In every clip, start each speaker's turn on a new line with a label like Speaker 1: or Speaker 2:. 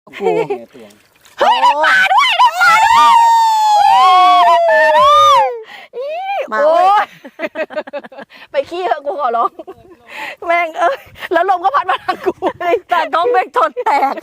Speaker 1: โอ้
Speaker 2: เฮ้ยได้ปลาด้วยได้ปลาด้วยโอ้ยไปขี้เถอะกูขอร้องแม่งเอ้ยแล้วลมก็พัดมาทางกูแต่น้องเบกทนแตก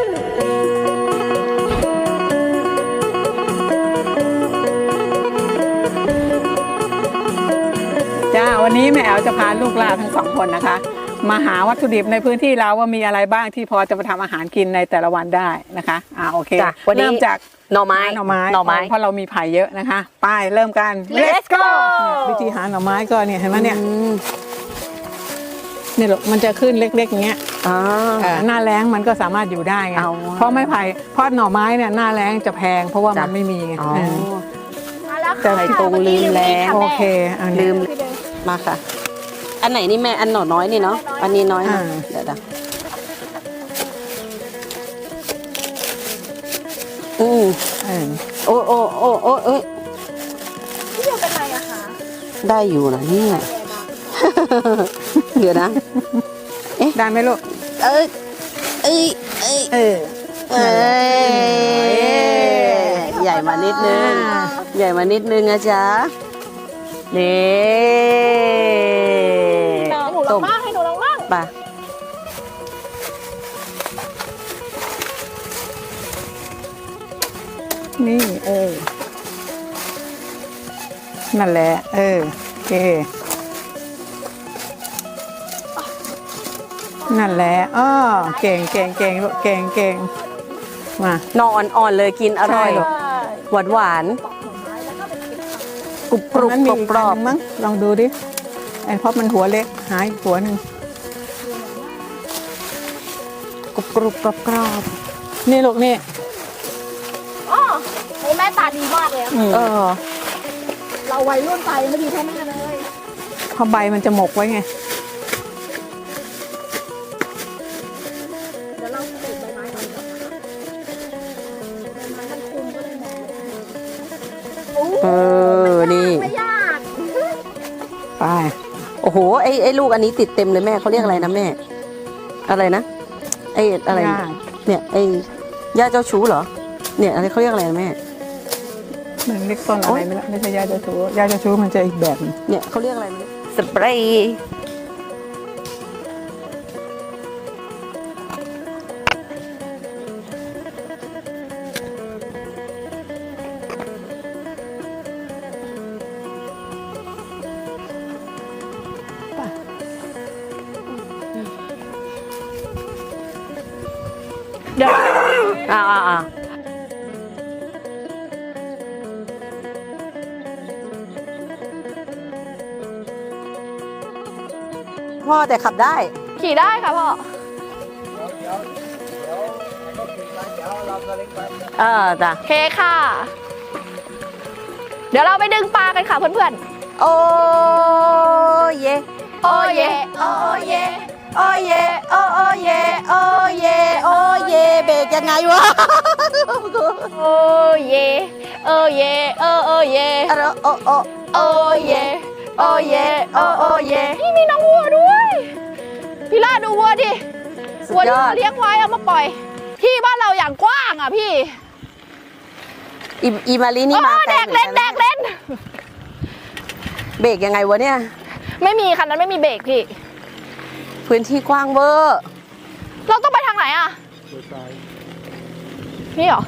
Speaker 3: จ้าวันนี้แม่แอ๋วจะพาลูกหลานทั้ง2 คนนะคะมาหาวัตถุดิบในพื้นที่เราว่ามีอะไรบ้างที่พอจะมาทำอาหารกินในแต่ละวันได้นะคะโอเคเริ่มจาก
Speaker 2: หน่อไม้
Speaker 3: เพราะเรามีไผ่เยอะนะคะไปเริ่มกัน
Speaker 2: Let's go
Speaker 3: วิธีหาหน่อไม้ก็เนี่ยเห็นไหมเนี่ยนี่หรอกมันจะขึ้นเล็กๆอย่างเงี้ยหน้าแล้งมันก็สามารถอยู่ได้ไงเพราะไม้ไผ่เพราะหน่อไม้เนี่ยหน้าแล้งจะแพงเพราะว่ามันไม่มีไง
Speaker 2: แต่ตรงลืมแล้ว
Speaker 3: โอเค
Speaker 2: ลืมมาค่ะอันไหนนี่แม่อันหน่อน้อยนี่เนาะอันนี้น้อยนะเดี๋ยวโอ้
Speaker 4: พี่เดียวเป็นไรอะคะ
Speaker 2: ได้อยู่นะนี่เดี๋ยวนะ
Speaker 3: ได้ไหมลูก
Speaker 2: ใหญ่มานิดนึงใหญ่มานิดนึงนะจ๊ะนี่
Speaker 4: หนูลองบ้างให้หนูลองบ้าง
Speaker 2: ป่ะ
Speaker 3: นี่นั่นแหละโอเคนั่นแหละเก่งลูกเก่งมาน
Speaker 2: ออ่อนๆเลยกินอร่อยหวานกรุบกรุบกรอบ
Speaker 3: มั้งลองดูดิเพราะมันหัวเล็กหายหัวหนึ่ง
Speaker 2: กรุบกรุบกรอบ
Speaker 3: นี่ลูกนี่
Speaker 4: โอ้แม่ตาดีมากเลยเราวัยรุ่นตายังไม่ดีเท่าแม่เลย
Speaker 3: เพราะใบมันจะหมกไว้ไง
Speaker 4: เดี๋ยวเราติดใบไม้ก่อนใบไม้มันคุมก็เลยมอง
Speaker 2: นี่
Speaker 4: ไม่ยาก
Speaker 3: ไป
Speaker 2: โอ้โหไอ้ลูกอันนี้ติดเต็มเลยแม่เขาเรียกอะไรนะแม่อะไรนะอะไรเนี่ยย่าเจ้าชู้เหรอเนี่ยอะไรเขาเรียกอะไรแม่
Speaker 3: มันเรียกต้นอะไรไม่ใช่ยาเจ้าชู้ยาเจ้าชู้มันจะอีกแบบ
Speaker 2: เนี่ยเขาเรียกอะไรสเปรย์
Speaker 4: เดี๋ยว
Speaker 2: พ่อแต่ขับได้
Speaker 4: ขี่ได้ค่ะพ่อ
Speaker 2: จ้ะ
Speaker 4: โอเคค่ะเดี๋ยวเราไปดึงปลากันค่ะเพื่อน
Speaker 2: ๆโอ้เย
Speaker 4: โอ้เยโอ้เยโอ้เยโอ้เยโอ้เย
Speaker 2: โอ้เยเบรกยังไงวะ
Speaker 4: โอ้เยโอ้เยโอ้เย
Speaker 2: โอ้
Speaker 4: โอ้เยโอ้เยโอ้เยนี่มีน้องวัวด้วยพี่ล่าดูวัวดิวัวที่เลี้ยงไว้เอามาปล่อยที่บ้านเราอย่างกว้างอ่ะพี่
Speaker 2: อีมาลีนี่มา
Speaker 4: แดกเล่น
Speaker 2: เบรกยังไงวะเนี่ย
Speaker 4: ไม่มีคันนั้นไม่มีเบรกพี่
Speaker 2: พื้นที่กว้างเวอร์
Speaker 4: เราต้องไปทางไหนอ่ะนี่เหรอ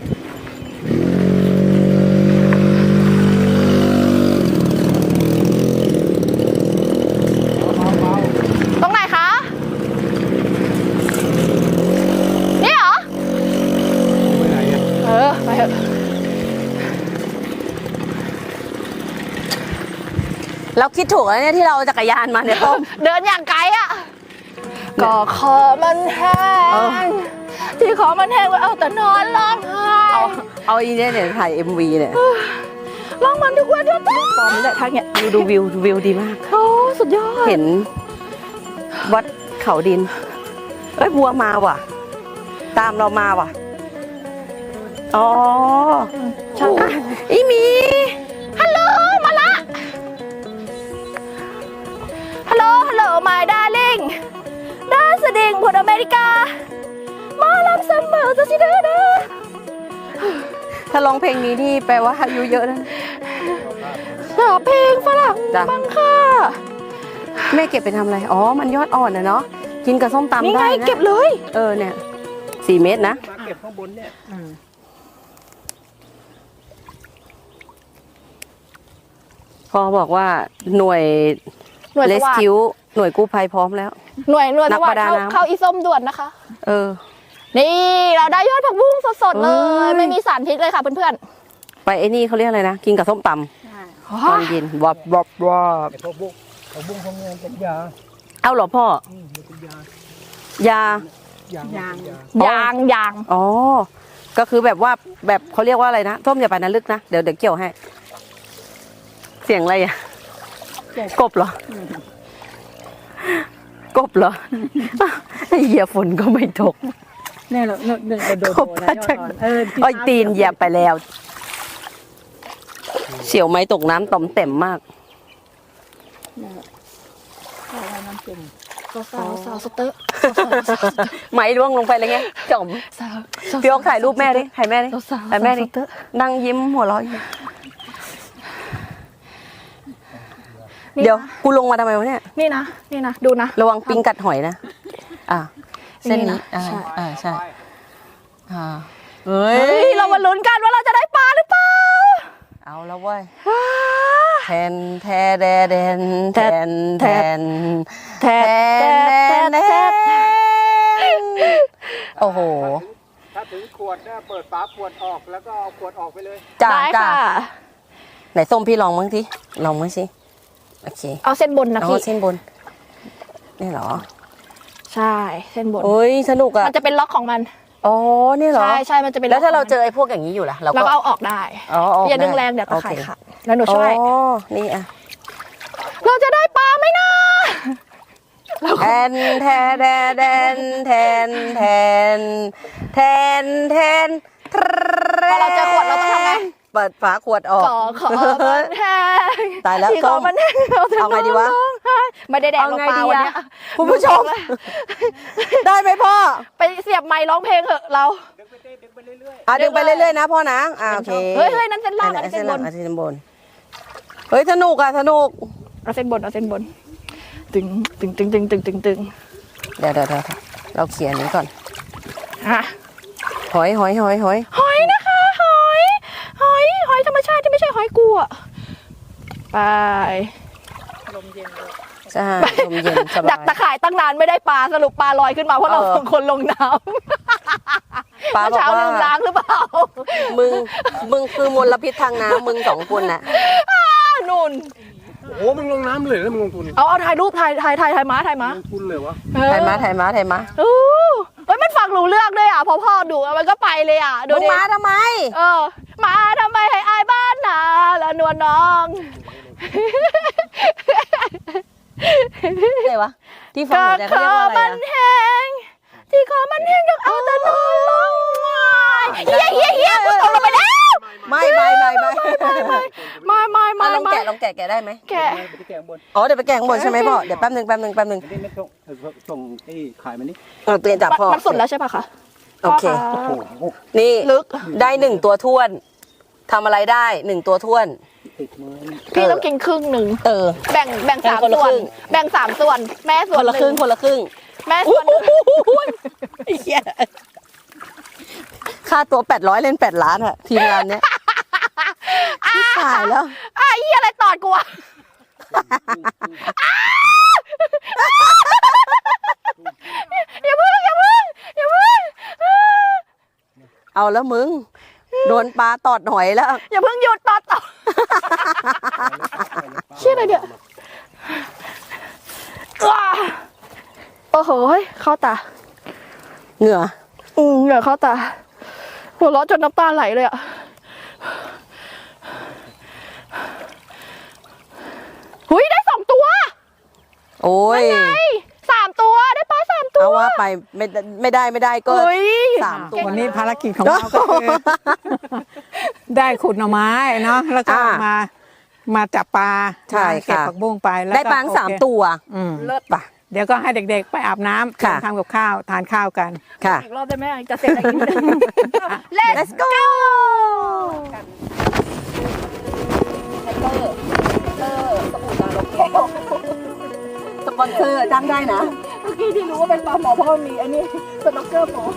Speaker 4: ตรงไหนคะนี่เหรอไปเถอะ
Speaker 2: เราคิดถูกแล้วเนี่ยที่เราจักรยานมาเนี่ยต้ม
Speaker 4: เดินอย่างไกลอ่ะก็ขอมันแห้งที่ขอมันแห้งไว้เอาแต่นอนร้องไห้
Speaker 2: เอาอีเนี่ยถ่าย MV เนี่ย
Speaker 4: ร้องมันทุกวันด้วยตอนนี้แหละทางเนี้ย
Speaker 2: ดูวิวดีมาก
Speaker 4: โอ้สุดยอด
Speaker 2: เห็นวัดเขาดินบัวมาว่ะตามเรามาว่ะช่างอีมี
Speaker 4: ฮัลโหลมาละฮัลโหลmy darling ด้านสดิ่งผลอเมริกามาลำเสมอจะสิ
Speaker 2: ถ้าร้องเพลงนี้นี่แปลว่าอายุเยอะนะ
Speaker 4: เพลงฝรั่ง
Speaker 2: จ้ะ
Speaker 4: บ้างค่ะ
Speaker 2: แม่เก็บไปทำอะไร อ๋อ มันยอดอ่อนนะเนาะ กินกับส้มตำ
Speaker 4: นี่ไง
Speaker 2: ได้นะ
Speaker 4: เก็บเลย
Speaker 2: เนี่ย4 เม็ดนะ
Speaker 1: มาเก็บข้างบนเนี่ย
Speaker 2: พ่อบอกว่าหน่วย
Speaker 4: หน่วย
Speaker 2: เล
Speaker 4: ส
Speaker 2: ส
Speaker 4: วัส
Speaker 2: คิ
Speaker 4: ดิ์
Speaker 2: วหน่วยกู้ภัยพร้อมแล้ว
Speaker 4: หน่วย
Speaker 2: นั
Speaker 4: ส
Speaker 2: ก
Speaker 4: วั
Speaker 2: ป
Speaker 4: ส
Speaker 2: ระ
Speaker 4: ดิ์
Speaker 2: ดา
Speaker 4: เข้า
Speaker 2: น้ำ
Speaker 4: เข้าอีส้มด่วนนะคะ
Speaker 2: เออ
Speaker 4: นี่เราได้ยอดผักบุ้งสดๆเล
Speaker 2: เอ้
Speaker 4: ย
Speaker 2: ย
Speaker 4: ไม่มีสารพิษเลยค่ะเพื่อน
Speaker 2: ไปไอ้นี่เขาเรียกอะไรนะ กินกับส้มตำ
Speaker 4: ๆ
Speaker 2: ตอนเย็นวบวบวบ
Speaker 1: ไอ้พวกบุ้งพวกเงินเป็นยา
Speaker 2: เอาเหรอพ่อ
Speaker 1: มันเป็นยา
Speaker 2: ยา
Speaker 1: ยาง
Speaker 3: ยาง
Speaker 1: ยา
Speaker 4: ยาง
Speaker 2: อ๋อ ก็คือแบบว่าแบบเขาเรียกว่าอะไรนะส้มอย่าไปนะลึกนะ เดี๋ยวเกี่ยวให้ เสียงอะไรอ่ะ กบเหรอ กบเหรอ ไอ้เหี้ยฝนก็ไม่ตก
Speaker 3: เนี่ยเราโดน
Speaker 2: ขอบพระเจ้า อ้อยตีนเหยียบไปแล้ว เสี่ยวไม้ตกน้ำต่อมเต็มมาก
Speaker 4: สาวสเตอร์
Speaker 2: ไม้ร่วงลงไปเลยไงจอม
Speaker 4: สาว
Speaker 2: พี่โอ๊คถ่ายรูปแม่ดิถ่ายแม่ดิ
Speaker 4: สาว
Speaker 2: ถ่ายแม่ดินั่งยิ้มหัวเราะอยู่เดี๋ยวกูลงมาทำไมวะเนี่ย
Speaker 4: นี่นะดูนะ
Speaker 2: ระวังปิงกัดหอยนะ เส้น
Speaker 4: นี่
Speaker 2: นี้
Speaker 4: นะใช่
Speaker 2: ใช่เฮ้
Speaker 4: เฮ้ยเรามาลุ้นกันว่าเราจะได้ปลาหรือเปล่า
Speaker 2: เอาแล้วเว้ยแทนแทแดแดนแทนแทน
Speaker 4: แท
Speaker 2: แท
Speaker 4: น
Speaker 2: นแทนโอ้โห
Speaker 1: ถ้าถึงขวดเนี่ยเปิดฝาขวดออกแล้วก็เอาขวดออกไปเลย
Speaker 2: จ้า
Speaker 4: ได้
Speaker 2: จ้า
Speaker 4: ค่ะ
Speaker 2: ไหนส้มพี่ลองมั้งทีลองมั้งสิโอเค
Speaker 4: เอาเส้นบนนะ
Speaker 2: เอา
Speaker 4: พี่
Speaker 2: เส้นบนนี่เหรอ
Speaker 4: ใช่เส้นบน
Speaker 2: โอ้ยสนุกอ่ะ
Speaker 4: มันจะเป็นล็อกของมัน
Speaker 2: อ๋อนี่เหรอ
Speaker 4: ใช่มันจะเป็น
Speaker 2: แล้วถ้าเรา
Speaker 4: ล็ก
Speaker 2: เจอไอ้พวกอย่างนี้อยู่ล่ะ
Speaker 4: ของมันเราก็เอาออกได้
Speaker 2: อ๋อออก
Speaker 4: อย่าดึง
Speaker 2: ได้
Speaker 4: แรงเดี๋ยวตะ
Speaker 2: โอ
Speaker 4: ข่าย
Speaker 2: เค
Speaker 4: ขาดแล้วหนูช่วย
Speaker 2: อ๋อนี่อ่ะ
Speaker 4: เราจะได้ปลาไหมนะ
Speaker 2: แทนแทนแทนแทนแทนแทนแทน
Speaker 4: พอเราเจอขวดเราต้องทำไง
Speaker 2: เปิดฝาขวดออก
Speaker 4: ขอมันแห้ง
Speaker 2: ตายแล้ว
Speaker 4: ที่ขอ
Speaker 2: ส้ม
Speaker 4: มันแห้งเราจะ
Speaker 2: เอาไงดีวะ
Speaker 4: ร้องไห้ไม่ได้แดก
Speaker 2: เอา
Speaker 4: หรอก
Speaker 2: ไง
Speaker 4: ปลา
Speaker 2: ดี
Speaker 4: วัน
Speaker 2: อะ
Speaker 4: เนี้ย
Speaker 2: คุณผู้ชม ได้ไหมพ่อ
Speaker 4: ไปเสียบไมค์ร้องเพลงเถอะเรา
Speaker 1: ดึงไปเรื่อย
Speaker 2: ดึงไปเรื่อยๆนะพ่อนะโอเค
Speaker 4: เฮ้ยนั่นเส้นล่างอันนี้เส้นบน
Speaker 2: เส้นบนเฮ้ยสนุกอ่ะสนุก
Speaker 4: เอาเส้นบนตึงตึง
Speaker 2: เดี๋ยวเราเขียนนี้ก่อน
Speaker 4: อ่ะ
Speaker 2: หอย
Speaker 4: หอยนะคะหอยธรรมชาติที่ไม่ใช่หอยกูอะไป
Speaker 2: ใช่ลมเย็นส
Speaker 4: ดั
Speaker 2: บาก
Speaker 4: ตะ
Speaker 2: ย
Speaker 4: ข่ายตั้งนานไม่ได้ปลาสรุปปลาลอยขึ้นมาเพราะเรา
Speaker 2: เออ
Speaker 4: สองคนลงน้ำ
Speaker 2: ปลา
Speaker 4: เมื่อ
Speaker 2: บอก
Speaker 4: เช้า
Speaker 2: ว่า
Speaker 4: ลืมล้างหรือเปล่า
Speaker 2: มึงคือมลพิษทางน้ำมึง2 คนน่ะ
Speaker 4: นุ่น
Speaker 1: ๆโอ้โหมึงลงน้ำเลยแล้วมึงลงทุน
Speaker 4: เอาถ่ายรูปถ่ายม้า
Speaker 1: ลงทุนเลยวะ
Speaker 2: ถ่ายมา
Speaker 4: เฮ้ยมันฟังรู้เรื่องด้วยอ่ะพอพ่อดูมันก็ไปเลยอ่ะดู
Speaker 2: มึง
Speaker 4: ดิ
Speaker 2: มาทำไม
Speaker 4: มาทำไมให้อายบ้านนาแล้วนวลน้อง
Speaker 2: อะไรวะที่ฟังหัวใจเขาเรียกว่าอะไร
Speaker 4: มันแห้งที่คอมันแห้งอยากเอาแต่นอนลงเฮียกูตกลงไปแล้ว
Speaker 2: ไม่ลองแกะได้ไหม
Speaker 4: แกะ
Speaker 1: ไปที่แกงบน
Speaker 2: อ๋อเดี๋ยวไปแกะข้างบนใช่ไหมพ่อเดี๋ยวแป๊บนึง
Speaker 1: ไม่ได้ไม่ส่งไอ้ขายมันนี่
Speaker 2: เปลี่ยนจากพ่อ
Speaker 4: มันสุดแล้วใช่ปะคะ
Speaker 2: โอเค
Speaker 4: พ่ะ
Speaker 1: โอ้โห
Speaker 2: นี่
Speaker 4: ลึก
Speaker 2: ได้1 ตัวท้วนทำอะไรได้1 ตัวท้วน
Speaker 1: ติดมือ
Speaker 4: พี่ต้องกินครึ่งหนึ่ง แบ่ง
Speaker 2: แบ่ง
Speaker 4: 3
Speaker 2: คนละ
Speaker 4: ส่ว
Speaker 2: คน รึ่ง
Speaker 4: แบ่ง3 ส่วน แม่ส่
Speaker 2: ค
Speaker 4: วน
Speaker 2: นละครึ่ง
Speaker 4: ห
Speaker 2: คนละครึ่ง
Speaker 4: แม่ส่วนหนึ่ง
Speaker 2: เหี้ยค่าตัว800เล่น8 ล้านอะทีมงานเนี้ยที่ตายแล้ว
Speaker 4: เฮียอะไรตอดกูอะอย่าเพิ่ง
Speaker 2: เอาแล้วมึงโดนปลาตอดหอยแล้ว
Speaker 4: อย่าเพิ่งหยุดตอดต่อเชี่ยอะไรเนี่ยโอ้โหเข้าตา
Speaker 2: เหงื่อ
Speaker 4: เหงื่อเข้าตาหัวเราะจนน้ำตาไหลเลยอ่ะหุยได้2 ตัว
Speaker 2: โอ้ย
Speaker 4: 3 ตัวได้ปลา3 ตัว
Speaker 2: เอาว่าไปไม่ได้ก็
Speaker 4: เฮ้ย
Speaker 2: 3 ตัว
Speaker 3: วันนี้ภารกิจของเราก็คือ ได้ขุดหน่อไม้เนาะแล้วก็มาจับปลา
Speaker 2: ใช่
Speaker 3: เก็บ
Speaker 2: ค่ะ
Speaker 3: ผักบุ้งไปแล้ว
Speaker 2: ได้ปลา
Speaker 3: โอเค
Speaker 2: 3 ตัว
Speaker 3: อืม
Speaker 4: เลิศ
Speaker 2: ป่ะ
Speaker 3: เดี๋ยวก็ให้เด็กๆ ไปอาบน้ำ
Speaker 2: ค่ะ
Speaker 3: ทำกับข้าวทานข้าวกัน
Speaker 2: ค่ะ
Speaker 4: อีกรอบได้ไหมจะเสร็จอะไรอีกนิดนึง Let's go
Speaker 2: กันแฮปเปอร์สบู่ตาลกแก้วสปอนเซอร์จ้างได้นะเมื่อกี้ที่รู้ว่าเป็นปลาหมอเพราะมันมีอันนี้สน็อกเกอร์หมอ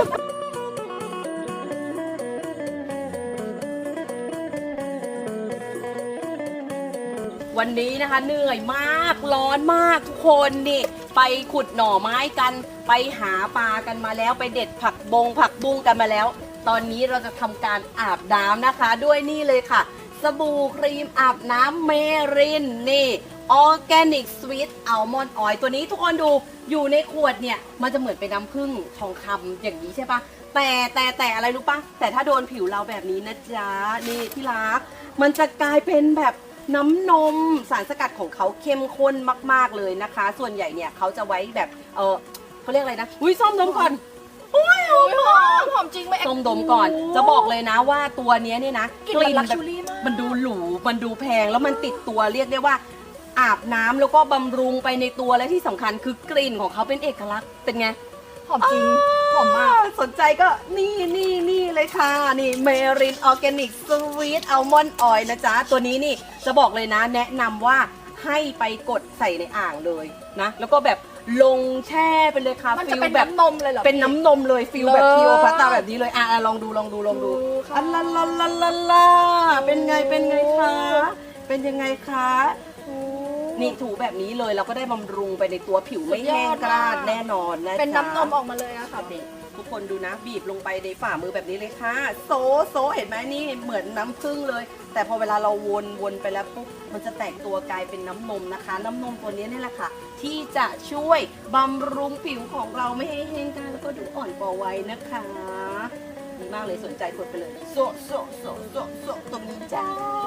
Speaker 2: วันนี้นะคะเหนื่อยมากร้อนมากทุกคนนี่ไปขุดหน่อไม้กันไปหาปลากันมาแล้วไปเด็ดผักบุ้งกันมาแล้ว ตอนนี้เราจะทำการอาบน้ำนะคะ ด้วยนี่เลยค่ะ สบู่ครีมอาบน้ำเมรินนี่ออร์แกนิกสวีทอัลมอนด์ออยล์ตัวนี้ทุกคนดูอยู่ในขวดเนี่ยมันจะเหมือนเป็นน้ำผึ้งทองคำอย่างนี้ใช่ปะแต่อะไรรู้ปะแต่ถ้าโดนผิวเราแบบนี้นะจ๊ะนี่ที่รักมันจะกลายเป็นแบบน้ำนมสารสกัดของเขาเข้มข้นมากๆเลยนะคะ ส่วนใหญ่เนี่ยเขาจะไว้แบบเขาเรียกอะไรนะอุ้ยส้มดมก่อนอุ้ย
Speaker 4: หอมจริงไหม
Speaker 2: ส้มดมก่อนจะบอกเลยนะว่าตัวนี้เนี่ยนะ
Speaker 4: กลิ่นลักชูรี่มาก
Speaker 2: มันดูหรูมันดูแพงแล้วมันติดตัวเรียกได้ว่าอาบน้ำแล้วก็บำรุงไปในตัวและที่สำคัญคือกลิ่นของเขาเป็นเอกลักษณ์เป็นไง
Speaker 4: หอมจริงหอมมาก
Speaker 2: สนใจก็นี่เลยค่ะนี่เมรินออร์แกนิกสวีทอัลมอนด์ออยล์นะจ๊ะตัวนี้นี่จะบอกเลยนะแนะนำว่าให้ไปกดใส่ในอ่างเลยนะแล้วก็แบบลงแช่ไปเลยค่ะ
Speaker 4: มันจะ
Speaker 2: ฟิล
Speaker 4: เป็น
Speaker 2: แบบ
Speaker 4: น้ำนมเลยเหรอ
Speaker 2: เป็นน้ำนมเลยฟิลแบบ
Speaker 4: เลิศ
Speaker 2: คิโอพัตตาแบบนี้เลยลองดู
Speaker 4: ค่ะ
Speaker 2: อัลลาเป็นไงคะเป็นยังไงคะนี่ถูแบบนี้เลยเราก็ได้บำรุงไปในตัวผิวไม่แห้งกร้านแน่นอนนะ
Speaker 4: เป็นน้ำนมออกมาเลยอะค่ะ
Speaker 2: ทุกคนดูนะบีบลงไปในฝ่ามือแบบนี้เลยค่ะโซเห็นไหมนี่เหมือนน้ำผึ้งเลย แต่พอเวลาเราวนไปแล้วปุ๊บมันจะแตกตัวกลายเป็นน้ำนมนะคะ น้ำนมตัวนี้นี่แหละค่ะที่จะช่วยบำรุงผิวของเราไม่ให้แห้งกร้านแล้วก็ดูอ่อนกว่าวัยนะคะดีมากเลยสนใจกดไปเลยโซตรงนี้จ้า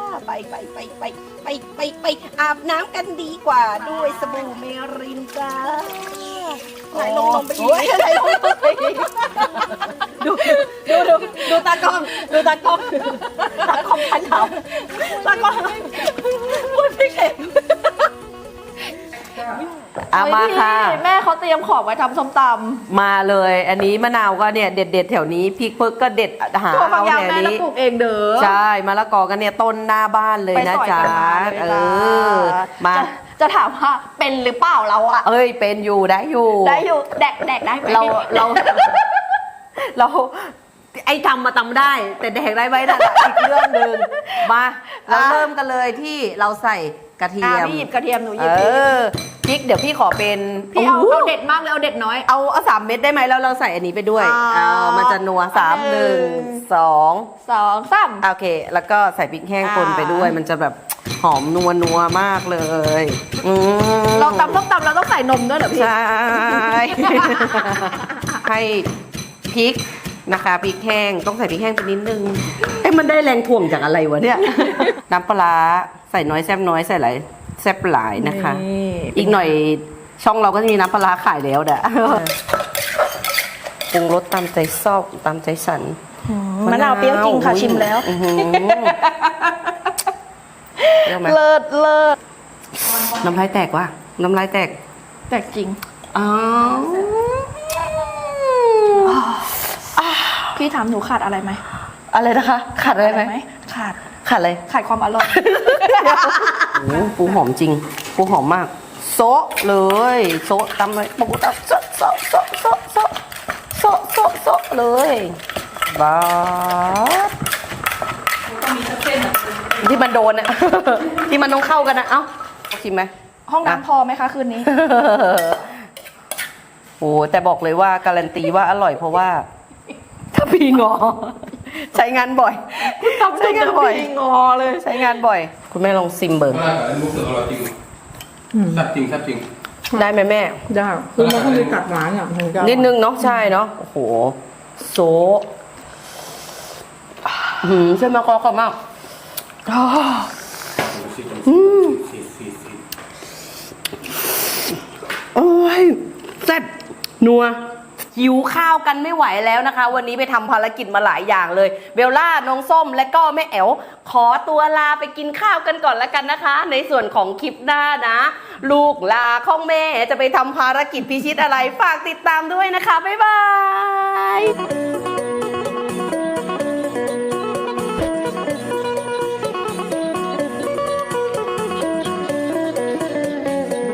Speaker 2: ไปอาบน้ำกันดีกว่าด้วยสบู่เมรินจ้าไหนลงไปอีกไหนลงไปอีกดูตากล้องพันเขาตากล้องพูดไม่เก่งเอามาค่ะ
Speaker 4: แม่เขาเตรียมของไว้ทำส้มตำ
Speaker 2: มาเลยอันนี้มะนาวก็เนี่ยเด็ดแถวนี้พริกเพิกก็เด็ดหา
Speaker 4: ตัวบาง
Speaker 2: เอา
Speaker 4: อย่าง
Speaker 2: แถว
Speaker 4: แม่เรา
Speaker 2: นี้
Speaker 4: ปลูกเองเด้อ
Speaker 2: ใช่มะละกอกันเนี่ยต้นหน้าบ้านเลยนะจ๊ะ
Speaker 4: ไปสอยกันมาเลยจ้า
Speaker 2: มา
Speaker 4: จะถามว่าเป็นหรือเปล่าเราอะ
Speaker 2: เอ้ยเป็นอยู่ได้อยู่
Speaker 4: ได้อยู่แดกได้ไหม
Speaker 2: เราไอ้ทำมาทำได้ แต่แดกได้ไหมนั่นอีกเรื่องหนึ่งมาเราเริ่มกันเลยที่เราใส่กระเทียม
Speaker 4: พี่หยิบกระเทียมหนูหยิบ
Speaker 2: พริกเดี๋ยวพี่ขอเป็น
Speaker 4: พี่เอาเด็ดมากเลยเอาเด็ดน้อย
Speaker 2: เอา3 เม็ดได้ไหมแล้วเราใส่อันนี้ไปด้วย
Speaker 4: อ่า
Speaker 2: มันจะนัว3 1 2
Speaker 4: 2 3
Speaker 2: โอเค แล้วก็ใส่พริกแห้งป่นไปด้วย มันจะแบบหอมนัวมากเลย
Speaker 4: เราตำส้มตำเราต้องใส่นมด้วยเหรอพี่
Speaker 2: ใช่ ให้พริกนะคะพริกแห้งต้องใส่พริกแห้งไปนิดนึงมันได้แรงถ่วงจากอะไรวะเนี่ย น้ำปลาร้าใส่น้อยแซ่บน้อยใส่หลายแซ่บหลายนะคะอีกหน่อยช่องเราก็จะมีน้ำปลาร้าขายแล้วเด้อปรุงรสตามใจชอบตามใจฉัน
Speaker 4: มะนาวเปรี้ยวจริงค่ะชิมแล้ว เลิศ
Speaker 2: น้ำลายแตกว่ะน้ำลายแตก
Speaker 4: แต่จริง
Speaker 2: อ๋อ
Speaker 4: พี่ถามหนูขาดอะไรไหม
Speaker 2: อะไรนะคะขาดอะไรไหม
Speaker 4: ขาด
Speaker 2: ขาดอะไร
Speaker 4: ขาดความอร่อย
Speaker 2: โอ้ปูหอมจริงปูหอมมากโซะเลยโซะตำเลยปูตำโซะเลยบ้าที่มันโดนอะ ที่มันต้องเข้ากันนะเอ้าชิมไหม
Speaker 4: ห้องน้ำพอไหมคะคืนนี้
Speaker 2: โอ้แต่บอกเลยว่าการันตีว่าอร่อยเพราะว่าถ้าพี่งอใช้งานบ่อยใช้งานบ่อยงอเลยใช้งานบ่อยคุณแม่ลองซิมเบิร์
Speaker 1: รู้สึกอร่อยจริงแซ่บจริง
Speaker 2: ได้ไหมแม่
Speaker 3: ได้คือมันต้องมีกัดหวานอ่ะถึงจะ
Speaker 2: นิดนึงเนาะใช่เนาะโอ้โหโซเส้นมะกอกรอบมากโอ้ยแซ่บนัวหิวข้าวกันไม่ไหวแล้วนะคะ วันนี้ไปทำภารกิจมาหลายอย่างเลยเบลล่าน้องส้มและก็แม่แอ๋วขอตัวลาไปกินข้าวกันก่อนแล้วกันนะคะ ในส่วนของคลิปหน้านะ ลูกลาของแม่จะไปทำภารกิจพิชิตอะไรฝากติดตามด้วยนะคะบ๊ายบาย